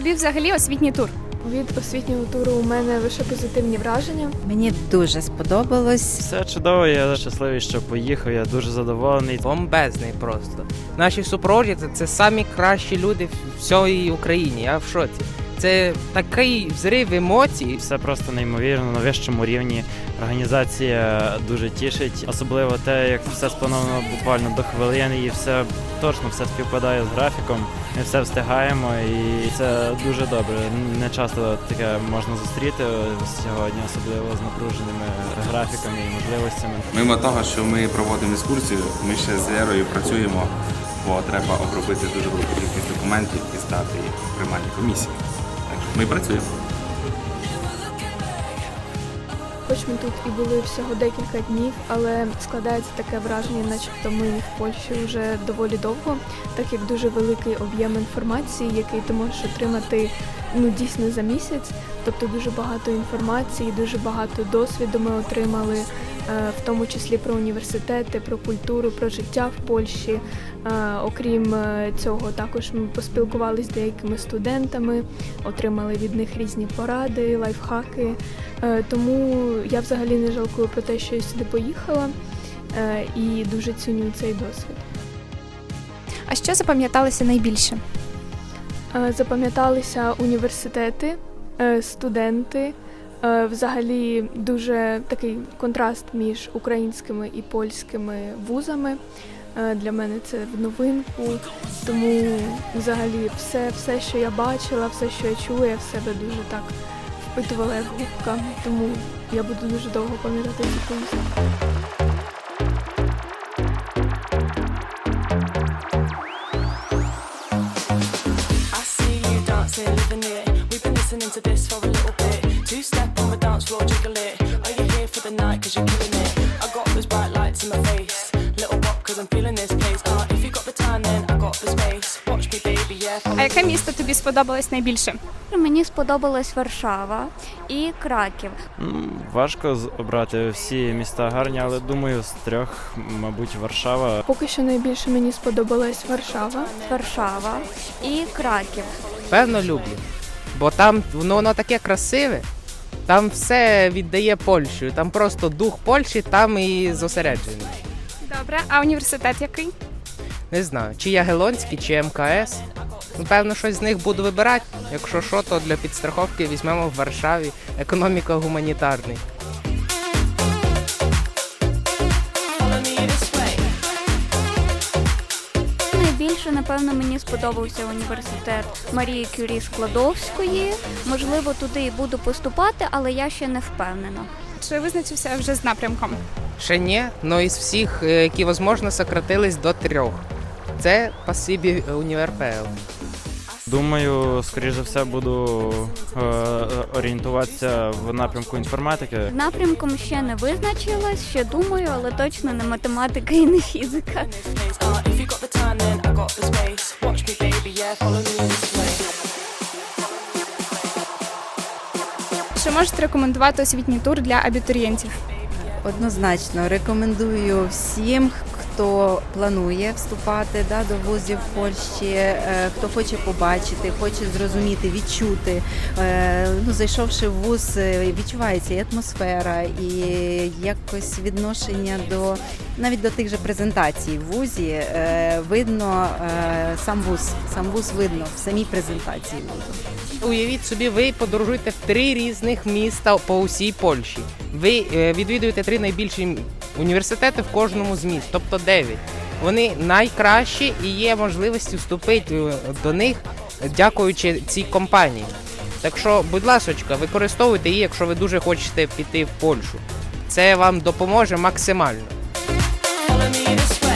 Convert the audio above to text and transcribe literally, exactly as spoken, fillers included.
тобі взагалі освітній тур? Від освітнього туру у мене лише позитивні враження. Мені дуже сподобалось. Все чудово, я щасливий, що поїхав, я дуже задоволений. Бомбезний просто. Наші супроводжуються – це самі кращі люди в всій Україні, я в шоці. Це такий взрив емоцій. Все просто неймовірно, на вищому рівні. Організація дуже тішить, особливо те, як все сплановано буквально до хвилини і все точно все співпадає з графіком. Ми все встигаємо і це дуже добре. Не часто таке можна зустріти сьогодні, особливо з напруженими графіками і можливостями. Мимо того, що ми проводимо екскурсію, ми ще з Лерою працюємо, бо треба обробити дуже велику кількість документів і стати в приймальній комісії. Так що ми працюємо. Хоч ми тут і були всього декілька днів, але складається таке враження, начебто ми в Польщі вже доволі довго, так як дуже великий об'єм інформації, який ти можеш отримати ну, дійсно за місяць. Тобто дуже багато інформації, дуже багато досвіду ми отримали, в тому числі про університети, про культуру, про життя в Польщі. Окрім цього, також ми поспілкувалися з деякими студентами, отримали від них різні поради, лайфхаки. Тому я взагалі не жалкую про те, що я сюди поїхала і дуже ціню цей досвід. А що запам'яталося найбільше? Запам'яталися університети, студенти, взагалі дуже такий контраст між українськими і польськими вузами. Для мене це в новинку, тому взагалі все, все, що я бачила, все, що я чула, я в себе дуже так впитувала як губка, тому я буду дуже довго пам'ятати цю поїздку. Listening to this for a little bit. Two step on the dance floor, jiggle it. Are you here for the night? Cause you're killing it. I got those bright lights in my face. Little pop cause I'm feeling this place. Uh, if you got the time then I got the space. Watch me baby, yeah. А яке місто тобі сподобалось найбільше? Мені сподобалась Варшава і Краків. Важко обрати, всі міста гарні, але думаю, з трьох, мабуть, Варшава. Поки що найбільше мені сподобалась Варшава. Варшава і Краків. Певно, люблю. Бо там воно, воно таке красиве, там все віддає Польщу, там просто дух Польщі там і зосереджений. Добре, а університет який? Не знаю, чи Ягелонський, чи ем ка ес. Ну, певно, щось з них буду вибирати. Якщо що, то для підстраховки візьмемо в Варшаві економіко-гуманітарний. Найбільше, напевно, мені сподобався університет Марії Кюрі Складовської. Можливо, туди і буду поступати, але я ще не впевнена. Чи визначився вже з напрямком? Ще ні, але із всіх, які можливо, сократились до трьох. Це спасибі універ пе ел. Думаю, скоріш за все, буду е, орієнтуватися в напрямку інформатики. Напрямком ще не визначилась, ще думаю, але точно не математика і не фізика. Uh, if you got the time then I got the space. Watch me baby, yeah. Follow me this way. Чи можете рекомендувати освітній тур для абітурієнтів? Однозначно рекомендую всім, хто планує вступати да, до вузів в Польщі, е, хто хоче побачити, хоче зрозуміти, відчути. Е, ну, зайшовши в вуз, відчувається і атмосфера, і якось відношення до навіть до тих же презентацій в вузі. Е, видно е, сам вуз, сам вуз видно в самій презентації вузу. Уявіть собі, ви подорожуєте в три різних міста по усій Польщі. Ви відвідуєте три найбільші університети в кожному з міст, тобто дев'ять. Вони найкращі і є можливості вступити до них, дякуючи цій компанії. Так що, будь ласочка, використовуйте її, якщо ви дуже хочете піти в Польщу. Це вам допоможе максимально. Follow me this way.